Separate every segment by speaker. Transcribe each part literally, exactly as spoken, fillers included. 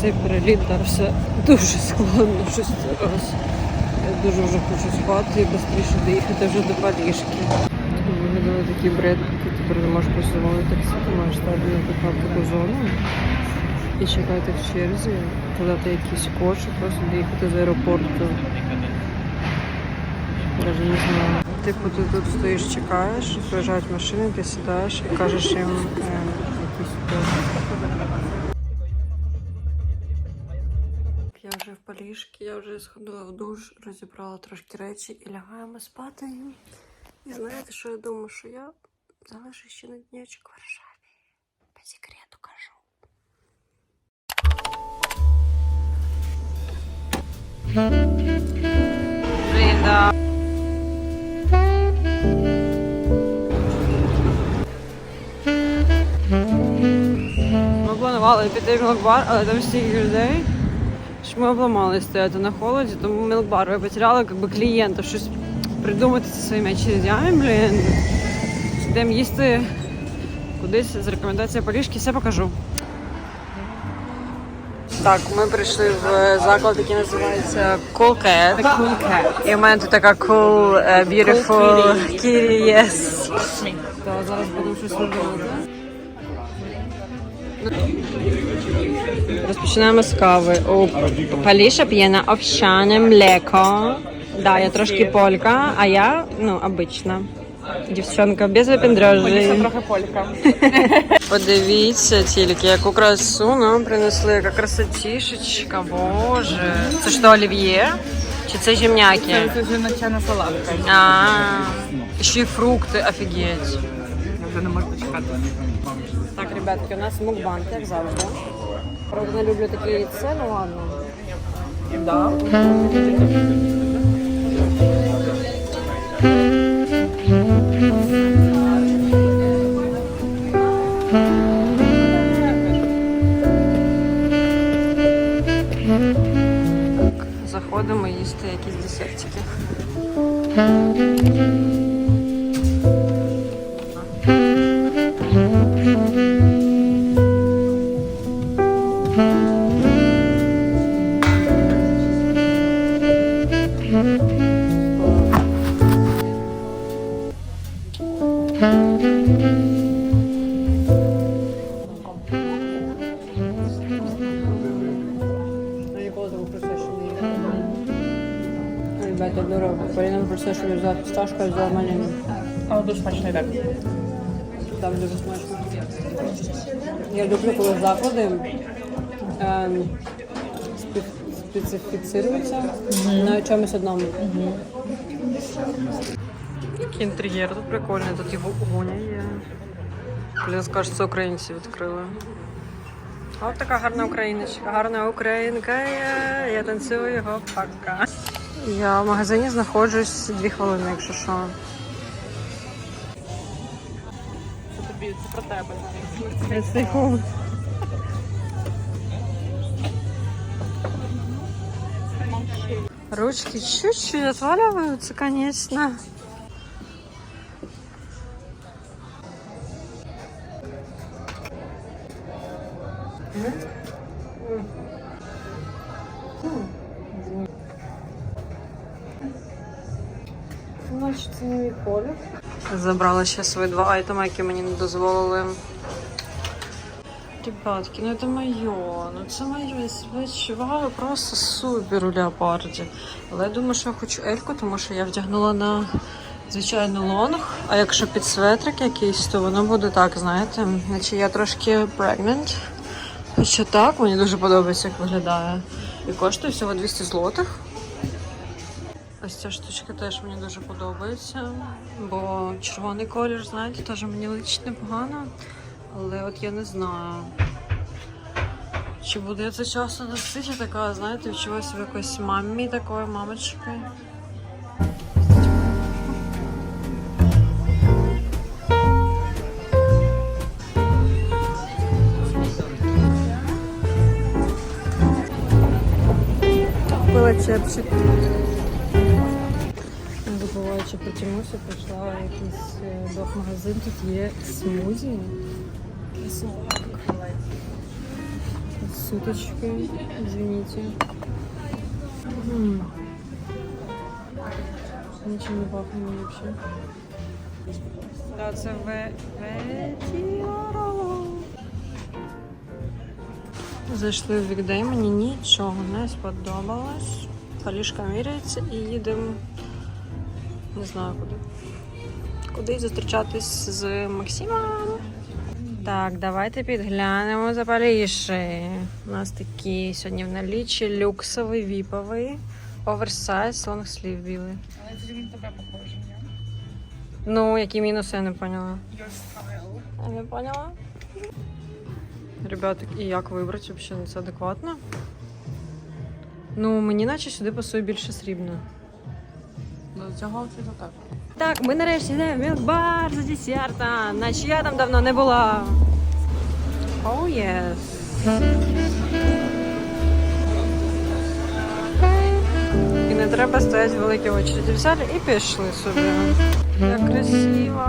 Speaker 1: цей переліт дався дуже складно щось зараз. Я дуже вже хочу спати і швидше доїхати вже до Парижки. Виглядали такі бред, ти тепер не можеш просувати таксі, ти маєш стати на таку зону і чекати в черзі, подати якийсь код, щоб просто доїхати з аеропорту. Навіть не знаю. Типу ти тут стоїш, чекаєш, приїжджають машини, ти сідаєш і кажеш їм е, якийсь код. Я вже в Парижці, я вже сходила в душ, розібрала трошки речі і лягаємо спати. І знаєте, що я думаю, що я залишу ще на днячок в Варшаві. По секрету кажу. Блін, да. Ми планували піти в мілкбар, але там стільки людей, що ми обламали стояти на холоді, тому мілкбар я потеряла як би, клієнтів, щось придумати зі своїми очередями, блін. Йдемо їсти кудись з рекомендації Парижки, все покажу. Так, ми прийшли в заклад, який називається Cool Cat.
Speaker 2: The Cool Cat.
Speaker 1: І в мене тут така cool, uh, beautiful kitty, yes. Так, зараз будемо щось робити. Розпочинаємо з кави. У Паліша п'є на овсяне млеко. Да, я трошки полька, а я, ну, обична. Дівчонка без випендрежі.
Speaker 2: Трохи полька.
Speaker 1: Подивіться тільки, яку красу нам принесли, яка красотішечка, боже. Це що, олів'є? Чи це жемняки?
Speaker 2: Це вже начальна салатка.
Speaker 1: А, ще й фрукти, офігеть.
Speaker 2: Я вже не можу дочекати.
Speaker 1: Так, ребятки, у нас мукбанк, як завжди. Правда, не люблю такі яйця, ну ладно.
Speaker 2: Да.
Speaker 1: Заходимо їсти якісь десертики. Ребята, дорого. Поліна просто що взяла фісташку, а взяла малину.
Speaker 2: Але дуже смачний так.
Speaker 1: Там дуже смачно. Я люблю, коли заклади ем, специфіцируються mm-hmm. на чомусь одному. Mm-hmm. Такий інтер'єр тут прикольний, тут його гоня є. Блін, скажуть, це українці відкрили. Ось така гарна україночка, гарна українка, я, я танцюю його пока. Я в магазині знаходжусь дві хвилини, якщо що.
Speaker 2: Це тобі, це про тебе.
Speaker 1: тридцять секунд. Ручки чуть-чуть отваливаются, конечно. Значить, це не мій колір. Забрала ще свої два айтеми, які мені не дозволили. Ребятки, ну це моє, ну це моє, я себе відчуваю просто супер у леопарді. Але я думаю, що я хочу ельку, тому що я вдягнула на звичайну лонг, а якщо під светрик якийсь, то воно буде так, знаєте, наче я трошки pregnant. Хоча так, мені дуже подобається, як виглядає. І коштує всього двісті злотих. Ось ця штучка теж мені дуже подобається, бо червоний колір, знаєте, теж мені личить непогано. Але от я не знаю, чи буду я це часто носити, така, знаєте, відчуваю себе якоюсь мамі такою, мамочкою. Купила чепчик. Не забуваючи про Тімусю, прийшла в якийсь док-магазин, тут є смузі. суточки. Извините. М. Ничем не пахне вообще. Да, це ве... ветіароло. Зайшли в Вікдей, мені нічого не сподобалось. Полішка міряється і їдемо, не знаю куди. Куди зустрічатись з Максимом. Так, давайте підглянемо за Поліші. У нас такий сьогодні в налічі люксовий, віповий, оверсайз, лонгслів білий.
Speaker 2: Але це він тебе похоже, ні?
Speaker 1: Ну, які мінуси, я не поняла.
Speaker 2: Your style.
Speaker 1: Я не поняла. Ребята, і як вибрати взагалі? Це адекватно? Ну, мені наче сюди пасує більше срібно.
Speaker 2: До цього outfitу так.
Speaker 1: Так, ми нарешті йдемо в мілк-бар за десертом, наче я там давно не була. Оу, oh, єс. І не треба стояти в великій очереді. Взяли і пішли собі. Як красиво.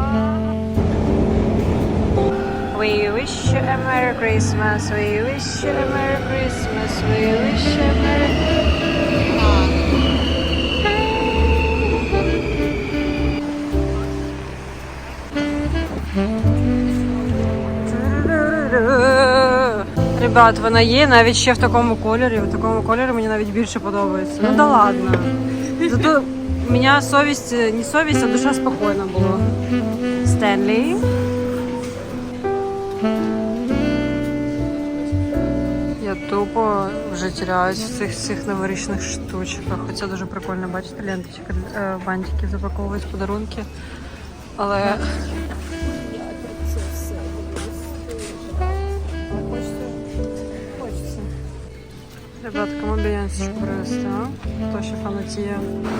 Speaker 1: We wish you a Merry Christmas, we wish you a Merry Christmas, we wish you a Merry Ребят, вона є навіть ще в такому кольорі. В такому кольорі мені навіть більше подобається. Ну да ладно. Зато у мене совість, не совість, а душа спокійна була. Стенлі. Я тупо вже теряюсь в цих цих новорічних штучках. Хоча дуже прикольно бачити ленточки, бантики запаковують, подарунки. Але ребята, кому бейонсочку привезти, а? Хто ще фанатіє?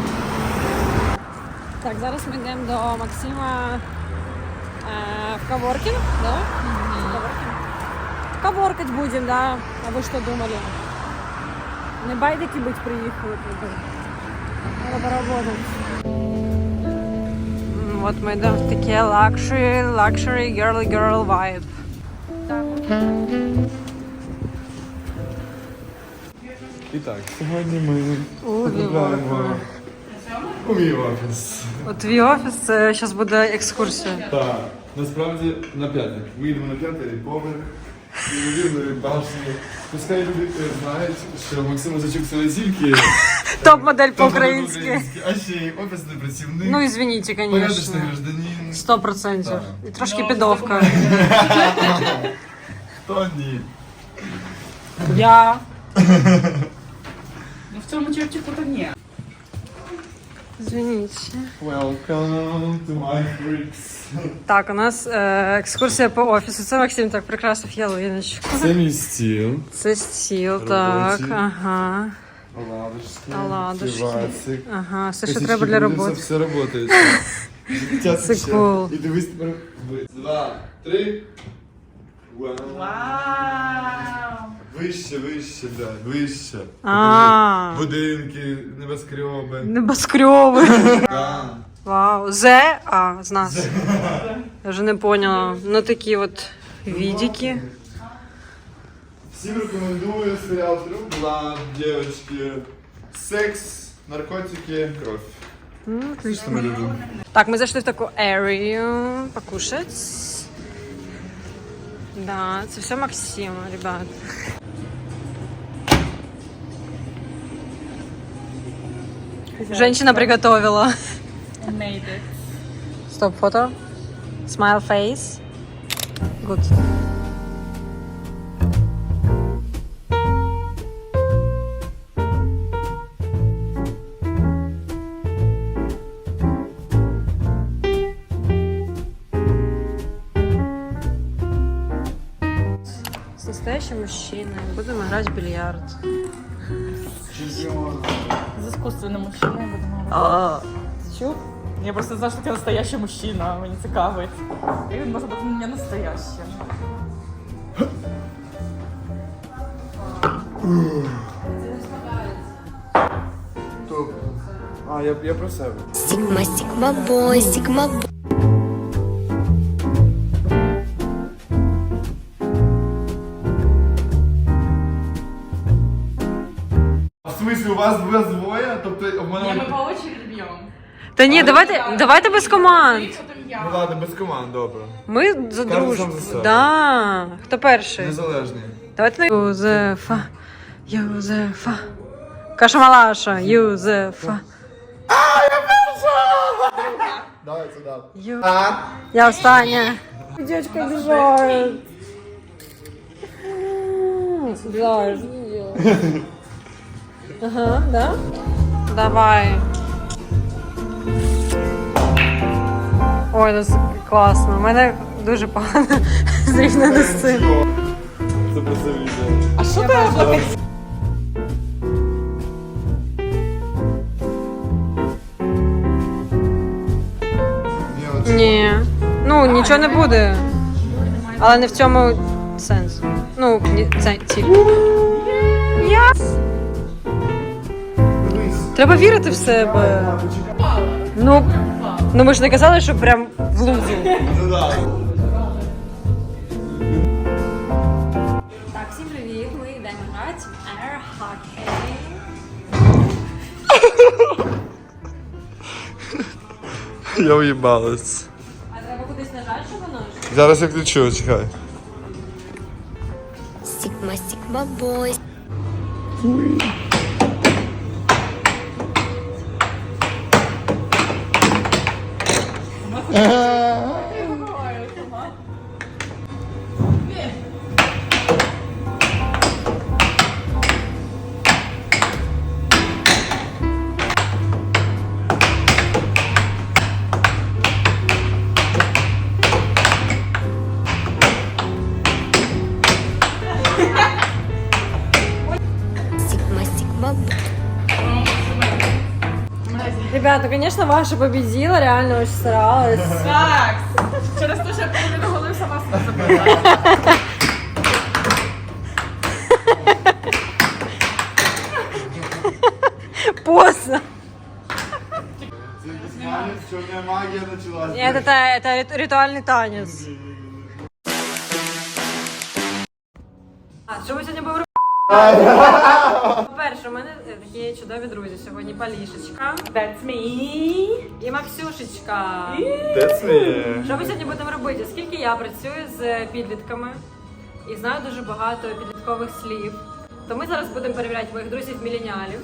Speaker 1: Так, зараз ми йдемо до Максима е, в коворкінг, да? Mm-hmm. Коворкінг. Коворкать будемо, да? А ви що думали? Не байдики бить приїхали. Треба поработати. От ми йдемо в таке luxury, luxury girly girl vibe.
Speaker 3: І так, сьогодні ми
Speaker 1: У,
Speaker 3: потрапляємо у мій офіс.
Speaker 1: От твій офіс, це зараз буде екскурсія.
Speaker 3: Так, насправді на п'ятий. Виїдемо на п'ятий поверх, неймовірної башні. Пускай люди знають, що Максим Озачук це не тільки
Speaker 1: Топ-модель
Speaker 3: топ-модель
Speaker 1: по-українськи.
Speaker 3: по-українськи, а ще й офісний працівник,
Speaker 1: Ну, извините,
Speaker 3: порядочний
Speaker 1: конечно.
Speaker 3: гражданин.
Speaker 1: Сто процентів.
Speaker 3: Так.
Speaker 1: І трошки підовка.
Speaker 3: Хто ні?
Speaker 1: Я.
Speaker 2: Ну в цьому чепчику то ні.
Speaker 1: Извините.
Speaker 3: Welcome to my freaks.
Speaker 1: Так, у нас е, екскурсія по офісу. Це Максим так прикрасив ялиночку.
Speaker 3: Це мій стіл.
Speaker 1: Це стіл, так.
Speaker 3: Робочий.
Speaker 1: Ага.
Speaker 3: Оладушки,
Speaker 1: Оладушки.
Speaker 3: пивасик.
Speaker 1: Ага, все, що
Speaker 3: Косички
Speaker 1: треба для
Speaker 3: буде,
Speaker 1: роботи.
Speaker 3: Все, все працює. Життя
Speaker 1: Це
Speaker 3: тече.
Speaker 1: кул.
Speaker 3: І дивись тепер. Два, три. Вау.
Speaker 2: Вау!
Speaker 3: Вище, вище, да, вище.
Speaker 1: А.
Speaker 3: Покажи. Будинки, небоскреби.
Speaker 1: Небоскрьови.
Speaker 3: Да.
Speaker 1: Вау. Зе? А, з нас. Я вже не поняла. Ну такі от відики.
Speaker 3: Всім рекомендую серіал «True Blood», девочки. Секс, наркотики, кров.
Speaker 1: Ну,
Speaker 3: Що
Speaker 1: отлично.
Speaker 3: ми любимо.
Speaker 1: Так, мы зашли в такую area покушать. Да, это все Максима, ребят. Женщина приготовила.
Speaker 2: Made it.
Speaker 1: Стоп, фото. Smile face. Good. С настоящим мужчиной будем играть в бильярд.
Speaker 3: Чемпіон.
Speaker 2: З іскусственним мужчиною будемо.
Speaker 1: А, чув?
Speaker 2: Я просто знаю, що ти настоящий мужчина, мені цікавить. І він може бути не настоящим.
Speaker 3: Топ. А, я, я про себе.
Speaker 4: Sigma, Sigma boy, Sigma boy.
Speaker 3: вас вас двоє, тобто в мене...
Speaker 2: Ні, ми по очереді б'ємо.
Speaker 1: Та ні, давайте, давайте без команд.
Speaker 3: Ну ладно, без команд, добре.
Speaker 1: Ми за
Speaker 3: Кожен
Speaker 1: дружбу.
Speaker 3: сам за себе.
Speaker 1: Да. Хто перший?
Speaker 3: Незалежні.
Speaker 1: Давайте на Юзефа. Юзефа. Каша Малаша. Юзефа.
Speaker 3: Давай сюди.
Speaker 1: Ю... Я остання. Дівчинка біжає. Біжаєш. Ага, да? Давай. Ой, це класно. У мене дуже погано зрівняно з цим.
Speaker 3: Це просто відео.
Speaker 2: А що ти?
Speaker 3: Ні, от
Speaker 1: Ні. Ну, нічого не буде. Але не в цьому сенс. Ну, ні, це ціль. Я... Треба вірити в себе. Ну, ну ми ж не казали, що прям в лузу.
Speaker 3: Ну да.
Speaker 1: Так, всім привіт, ми йдемо грати в Air Hockey.
Speaker 3: Я уїбалась.
Speaker 1: А треба кудись нажати, щоб воно ж?
Speaker 3: Зараз я включу, чекай.
Speaker 4: Сигма, Сигма Бой. Сигма, Сигма Бой.
Speaker 1: Ребята, конечно, ваша победила, реально очень старалась.
Speaker 2: Так, через те, що я половину голови сама себе забрала.
Speaker 1: Поздно.
Speaker 3: Черная магия началась.
Speaker 1: Нет, это, это рит- ритуальный танец. А, що ми сьогодні будемо робити? По-перше, у мене такі чудові друзі. Сьогодні Полішечка
Speaker 2: That's me.
Speaker 1: і Максюшечка.
Speaker 3: That's me.
Speaker 1: Що ми сьогодні будемо робити? Оскільки я працюю з підлітками і знаю дуже багато підліткових слів, то ми зараз будемо перевіряти моїх друзів-міленіалів.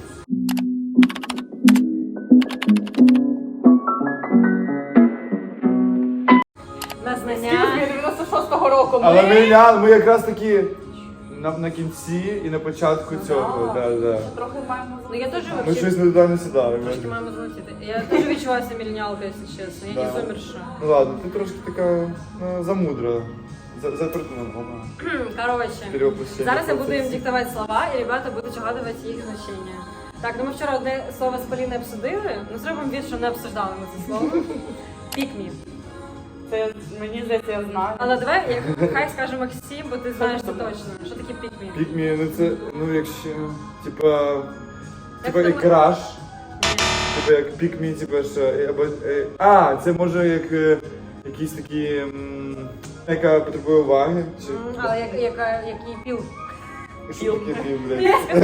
Speaker 1: На знання.
Speaker 2: Скільки дев'яносто шостого року.
Speaker 3: Але
Speaker 2: Ми...
Speaker 3: ми, я- ми якраз таки на, на кінці і на початку цього. Да, да.
Speaker 2: Трохи маємо
Speaker 1: Ну я теж
Speaker 3: Ми
Speaker 1: вообще
Speaker 3: щось не туди не сідали.
Speaker 1: трошки маємо залетіти. Я теж відчуваю себе міленіалкою, якщо чесно. Я не
Speaker 3: Да.
Speaker 1: зумерша.
Speaker 3: Ну ладно, ти трошки така ну, замудра. За, за,
Speaker 1: Коротше,
Speaker 3: Перевоплощення
Speaker 1: зараз я буду їм
Speaker 3: процесів.
Speaker 1: диктувати слова, і ребята будуть угадувати їх значення. Так, ну ми вчора одне слово з Поліною обсудили, ну зробимо від, що не обсуждали ми це слово. Пікмі.
Speaker 2: Це мені здається, я знаю.
Speaker 1: Але давай, як хай скаже Максим, бо ти знаєш це точно. Що таке пікмі?
Speaker 3: Пікмі, ну це, ну якщо, типа, типа
Speaker 1: це
Speaker 3: як
Speaker 1: ми-
Speaker 3: краш. Типа як пікмі, типа що, е, або, е, а, це може як е, якісь такі, м, яка потребує уваги, чи,
Speaker 1: М, Але як, яка, який піл?
Speaker 3: що таке пів, блядь?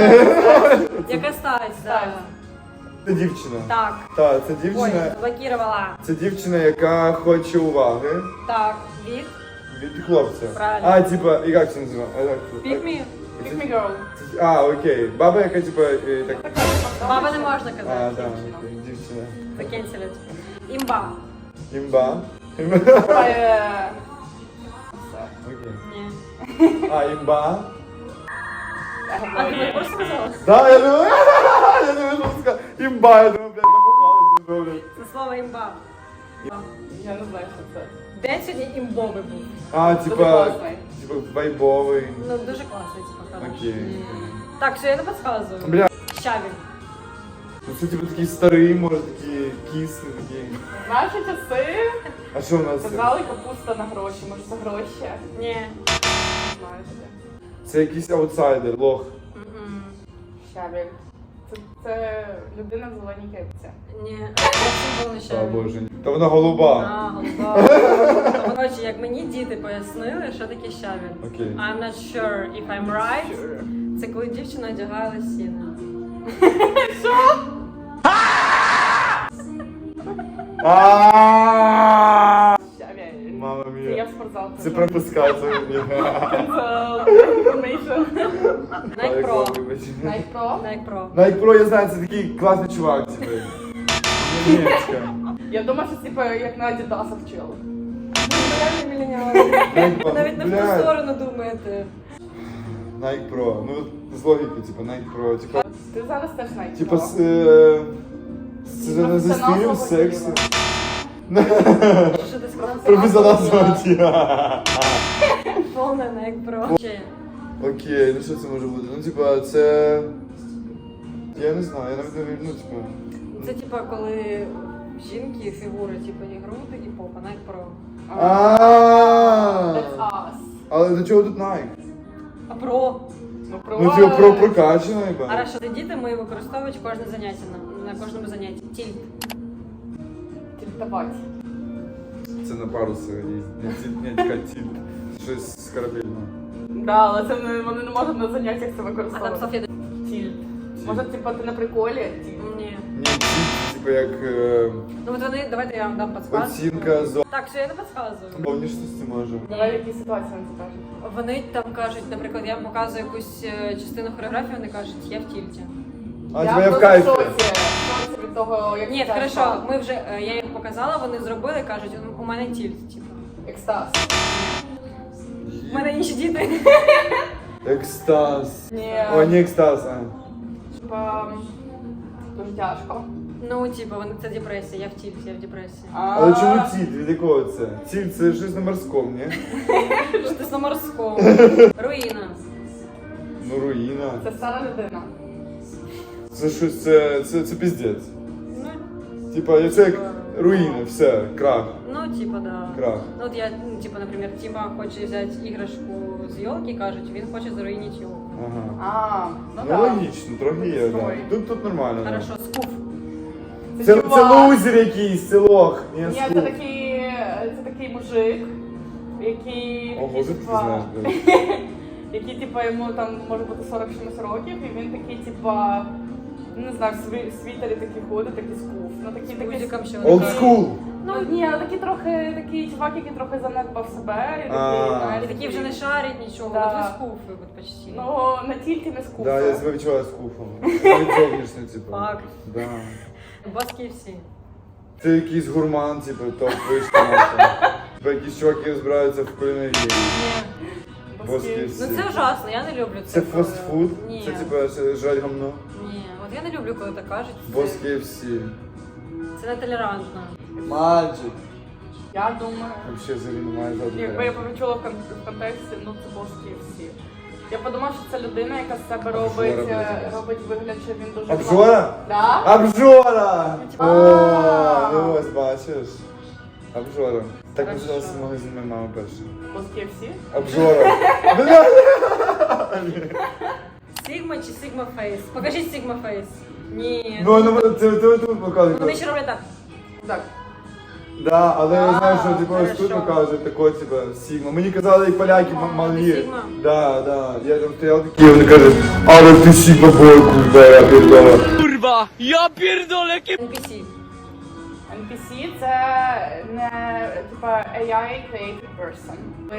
Speaker 1: Яка стать, так.
Speaker 3: Це дівчина.
Speaker 1: Так.
Speaker 3: Так, це
Speaker 1: Ой,
Speaker 3: дівчина,
Speaker 1: заблокувала.
Speaker 3: це дівчина, яка хоче уваги
Speaker 1: Так, від
Speaker 3: від хлопця.
Speaker 1: Правильно.
Speaker 3: А, типа, і як це називає? А, як це?
Speaker 1: пікмі.
Speaker 2: Pick me girl.
Speaker 3: Це- А, окей. Баба, яка типа, е, так,
Speaker 1: Баба не можна
Speaker 3: а,
Speaker 1: казати.
Speaker 3: да, окей, дівчина.
Speaker 1: Закінчилять. Імба.
Speaker 3: Імба. Імба.
Speaker 2: Е,
Speaker 3: Окей.
Speaker 1: Ні.
Speaker 3: А, імба.
Speaker 1: А ти мені просто сказала?
Speaker 3: Да, я думаю, я думаю, що сказати. Імба, я думаю, блядь, напухалась, блядь.
Speaker 1: Це слово імба.
Speaker 2: Я не знаю, що це.
Speaker 1: День сьогодні імбовий був.
Speaker 3: А,
Speaker 2: Дуже
Speaker 3: типа,
Speaker 2: класний.
Speaker 3: типа вайбовий.
Speaker 1: Ну, дуже класний, типа, хороший.
Speaker 3: Окей.
Speaker 1: М. Так, що я не підказую.
Speaker 3: Бля,
Speaker 1: Щавель.
Speaker 3: ну це типа такий старий, може, такий кислий, такий.
Speaker 2: Наші часи
Speaker 3: А що у нас? це?
Speaker 2: казали капуста на гроші, може за гроші.
Speaker 1: Ні.
Speaker 2: Не знаю таке.
Speaker 3: Це якийсь аутсайдер, лох.
Speaker 1: М-м.
Speaker 2: Щавель. Це, це людина в зеленій кепці.
Speaker 1: Ні. Це був не
Speaker 3: О,
Speaker 1: щавель.
Speaker 3: боже. Та вона голуба.
Speaker 1: А, голуба. Коротше, як мені діти пояснили, що таке щавель.
Speaker 3: Окей.
Speaker 1: I'm not sure if I'm right. Це коли дівчина одягає лосіни.
Speaker 3: Ааа!
Speaker 2: Щавель.
Speaker 3: Мама
Speaker 2: Це я
Speaker 3: мія.
Speaker 2: в спортзал.
Speaker 3: Це пропускається.
Speaker 1: Nike Pro.
Speaker 2: Nike Pro?
Speaker 1: Nike Pro.
Speaker 3: Nike Pro, я знаю, це такий класний чувак, типу. Німецька.
Speaker 2: Я думаю, що типу як на Adidas вчили.
Speaker 1: Реальні мільйонери.
Speaker 3: Nike Pro.
Speaker 1: Навіть не в ту
Speaker 3: Блядь.
Speaker 1: сторону думаєте.
Speaker 3: Nike Pro. Ну, з логіки, типу, Nike Pro. Типу,
Speaker 2: Ти зараз теж Nike
Speaker 3: типу,
Speaker 2: Pro.
Speaker 3: з, е, з, з,
Speaker 2: Це
Speaker 3: зі стилем,
Speaker 2: назва
Speaker 3: з сексу.
Speaker 1: Що ти сказав?
Speaker 3: Професіонал звонки.
Speaker 1: Повне Nike Pro. Ще.
Speaker 3: Окей, ну що це може бути? Ну, типа, це... Я не знаю, я навіть не вірю, ну, типа...
Speaker 1: Це типа коли жінки фігури, типу, і груди, і попа, Nike Pro.
Speaker 3: Ааа!
Speaker 2: That's us.
Speaker 3: Але до чого тут Nike?
Speaker 1: А Pro?
Speaker 2: Ну, про...
Speaker 3: Ну, типа, про прокачано,
Speaker 1: А
Speaker 3: іба.
Speaker 1: раз що це діти, ми використовують кожне заняття, на, на кожному занятті. Тільт.
Speaker 2: Тільтувати.
Speaker 3: Це на паруси їздять. Не тільт, не тільки тільт. Щось з корабельного.
Speaker 2: Да, але це не, вони не можуть на заняттях це
Speaker 1: А там
Speaker 2: використовувати.
Speaker 1: Софія...
Speaker 2: Тільт. Може, типу, ти на приколі? Тільт.
Speaker 1: Ні.
Speaker 3: Ні, тільт, типа, як... е,
Speaker 1: Ну от вони, давайте я вам дам підсказку.
Speaker 3: Оцінка зо...
Speaker 1: Так, що я не підказую.
Speaker 3: Повнішності може.
Speaker 2: Давай в якій ситуації вони це кажуть.
Speaker 1: Вони там кажуть, наприклад, я показую якусь е, частину хореографії, вони кажуть, я в тільті.
Speaker 3: А, типа, я в кайфі.
Speaker 2: в шоці. В шоці від того, як
Speaker 1: Ні,
Speaker 2: це
Speaker 1: хорошо,
Speaker 2: стало.
Speaker 1: ми вже, е, я їм показала, вони зробили, кажуть, у мене тільт, типу.
Speaker 2: Екстаз.
Speaker 1: У мене інші діти.
Speaker 3: Екстаз.
Speaker 2: Ні.
Speaker 3: О, не екстаз, а.
Speaker 2: Типа, дуже тяжко.
Speaker 1: Ну, типу, вони це депресія, я в тільті, я в депресії.
Speaker 3: Але чому ціль? Від якого це? Ціль це щось на морському, ні?
Speaker 1: Що ти на морському? Руїна.
Speaker 3: Ну, руїна.
Speaker 2: Це стара людина.
Speaker 3: Це щось, це, це, це піздець.
Speaker 1: Ну,
Speaker 3: Типа, це як руїна, все, крах,
Speaker 1: ну, типа, да.
Speaker 3: крах.
Speaker 1: Ну, от я, ну, типа, наприклад, Тіма хоче взяти іграшку з йолки, кажуть, він хоче заруїнити йолку.
Speaker 3: Ага.
Speaker 2: А, ну
Speaker 3: Ну,
Speaker 2: так.
Speaker 3: логічно, трохи є, да.
Speaker 2: Стой.
Speaker 3: Тут, тут нормально. да.
Speaker 1: Хорошо, скуф.
Speaker 3: Це, це
Speaker 2: чувак.
Speaker 3: лузер якийсь, це лох. Ні,
Speaker 2: Ні,
Speaker 3: скуп.
Speaker 2: це такий, це такий мужик, який,
Speaker 3: О,
Speaker 2: такий,
Speaker 3: звідки ти
Speaker 2: типа,
Speaker 3: знаєш, блядь?
Speaker 2: який, типа, йому там може бути сорок чимось років, і він такий, типа, не знаю, в сві- в світері такий ходить, такий скуф. Ну, такий,
Speaker 1: З
Speaker 2: такий,
Speaker 1: гудзиком ще
Speaker 3: Old
Speaker 1: вони.
Speaker 3: school.
Speaker 2: ну, ні, але такий трохи, такий чувак, який трохи занедбав себе, і
Speaker 3: А.
Speaker 2: такий, знаєш,
Speaker 1: І такі вже не шарять нічого,
Speaker 2: Да.
Speaker 1: от ви скуфи, от почти.
Speaker 2: ну, не тільки не скуф.
Speaker 3: Да, я себе відчуваю скуфом. Навіть зовнішньо, типу.
Speaker 1: Фак.
Speaker 3: Да.
Speaker 1: Бос кей еф сі.
Speaker 3: Це якийсь гурман, типу, топ вишка наша. Типу, якісь чуваки розбираються в кулінарії.
Speaker 1: Ні.
Speaker 3: Бос кей еф сі.
Speaker 1: Ну це ужасно, я не люблю це.
Speaker 3: Це фастфуд?
Speaker 1: Ні.
Speaker 3: Це типу це жрать гамно?
Speaker 1: Ні, от я не люблю, коли так кажуть.
Speaker 3: Бос
Speaker 1: Це,
Speaker 3: кей еф сі.
Speaker 1: це нетолерантно.
Speaker 3: Маджик.
Speaker 2: Я думаю,
Speaker 3: Вообще взагалі немає жодного.
Speaker 2: якби я почула в кон- в контексті, ну це бос кей еф сі. Я подумала, що це людина, яка з себе робить,
Speaker 3: Обжора,
Speaker 2: е,
Speaker 3: блядь.
Speaker 2: робить вигляд, що він дуже
Speaker 3: Обжора?
Speaker 2: Да?
Speaker 3: Обжора!
Speaker 2: А.
Speaker 3: О, ну ось бачиш. Обжора. Так
Speaker 2: Хорошо.
Speaker 3: називався магазин моєї мами перший.
Speaker 2: Бос кей еф сі?
Speaker 3: Обжора. Бля!
Speaker 1: Сігма чи Сігма Фейс? Покажіть Сігма Фейс. Ні.
Speaker 3: Ну, ну, це ти тут показує.
Speaker 1: Вони ще роблять так.
Speaker 2: Так.
Speaker 3: Да, але я знаю, що
Speaker 2: А,
Speaker 3: типу ось тут
Speaker 1: хорошо.
Speaker 3: показують тако, типу, Сігма. Мені казали, як поляки м- малі.
Speaker 1: Сігма?
Speaker 3: Да, да. Я там стояв такий, вони кажуть, але ти Сігма бой, курва, я передала.
Speaker 5: Kurwa, ja pierdolę,
Speaker 1: ен пі сі.
Speaker 2: ен пі сі це не типа ей ай created person. Ви...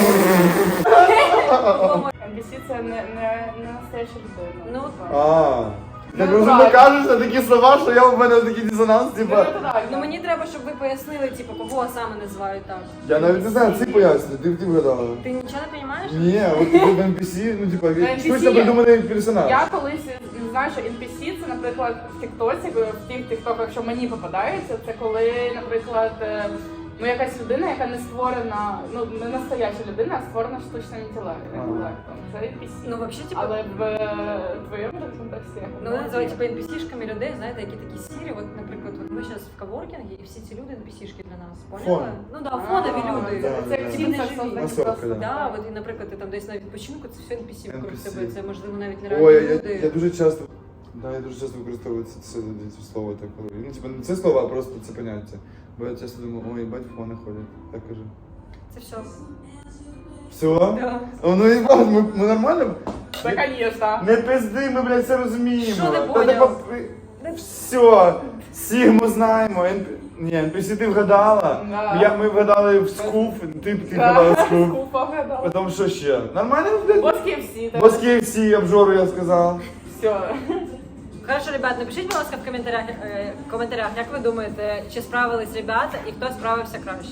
Speaker 2: ен пі сі це не, не, не настояща людина.
Speaker 1: Ну,
Speaker 2: типа.
Speaker 3: А. Так
Speaker 2: Ну,
Speaker 3: розумно
Speaker 2: правильно.
Speaker 3: кажеш на такі слова, що я в мене такий дисонанс,
Speaker 2: Ну,
Speaker 3: типа.
Speaker 2: це так.
Speaker 1: Ну мені треба, щоб ви пояснили, типу, кого саме називають так.
Speaker 3: Я навіть не знаю, це поясню, ти ти вгадала.
Speaker 1: Ти нічого не розумієш?
Speaker 3: Ні, от тут в ен пі сі, ну типа,
Speaker 2: ен пі сі
Speaker 3: штучно придуманий персонаж.
Speaker 2: Я колись знаю, що ен пі сі це, наприклад, в Тіктоці, в тих тіктоках, що мені попадається, це коли, наприклад, е, ну якась людина, яка не створена, ну не настояща людина, а створена штучним інтелектом. інтелектом. Це ен пі сі.
Speaker 1: Ну, взагалі, типу,
Speaker 2: Але в е, твоєму же контексті я
Speaker 1: ну, вони називають типу, ен пі сішками людей, знаєте, які такі сірі. От, наприклад, от ми зараз в коворкінгі, і всі ці люди ен пі сішки для нас, поняли?
Speaker 3: Фон.
Speaker 1: Ну да, фонові
Speaker 2: А,
Speaker 1: люди.
Speaker 2: Це, це
Speaker 3: Да,
Speaker 2: як
Speaker 3: да.
Speaker 2: Тіндер
Speaker 1: Вони живі.
Speaker 2: созданий
Speaker 3: Масовка,
Speaker 2: просто.
Speaker 3: да.
Speaker 1: Да, от і, наприклад, ти там десь на відпочинку, це все ен пі сі вокруг
Speaker 3: ен пі сі.
Speaker 1: тебе. Це можливо навіть не
Speaker 3: Ой,
Speaker 1: реальні
Speaker 3: я,
Speaker 1: люди.
Speaker 3: я дуже часто. Да, я дуже часто використовую це, це, це слово так, коли. Ну, типа, не це слово, а просто це поняття. Бо я часто думаю, ой, бать, фони ходять. Так кажу.
Speaker 1: Це все.
Speaker 3: Все?
Speaker 1: Да.
Speaker 3: О, ну і ми, ми нормально
Speaker 2: Це, конечно.
Speaker 3: Не пизди, ми, блядь, все розуміємо.
Speaker 1: Що не
Speaker 3: Та
Speaker 1: поняв?
Speaker 3: ти поп- Все, Сігму знаємо. Ен- Ні, ен пі сі ти вгадала.
Speaker 2: Да.
Speaker 3: Я, ми вгадали в скуф, ти, ти
Speaker 2: Да,
Speaker 3: вгадала в скуф.
Speaker 2: скупа вгадала.
Speaker 3: Потім що ще? Нормально, блядь?
Speaker 2: Бос кей еф сі. так.
Speaker 3: Бос кей еф сі, обжору я сказав.
Speaker 2: Все.
Speaker 1: Хорошо, ребят, напишіть, будь ласка, в коментарях, е, коментарях, як ви думаєте, чи справились ребята і хто справився краще.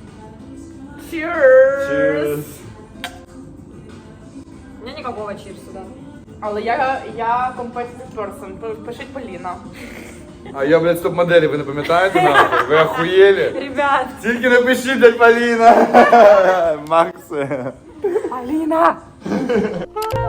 Speaker 2: Cheers!
Speaker 3: Cheers.
Speaker 1: У мене ніякого чірсу, да.
Speaker 2: Але я, я competitive person. П- Пишіть Поліна.
Speaker 3: А я, блядь, стоп-моделі, ви не пам'ятаєте нахуй? Ви охуєлі?
Speaker 1: Ребят,
Speaker 3: Тільки напишіть, блядь, Поліна. Макс.
Speaker 2: Поліна!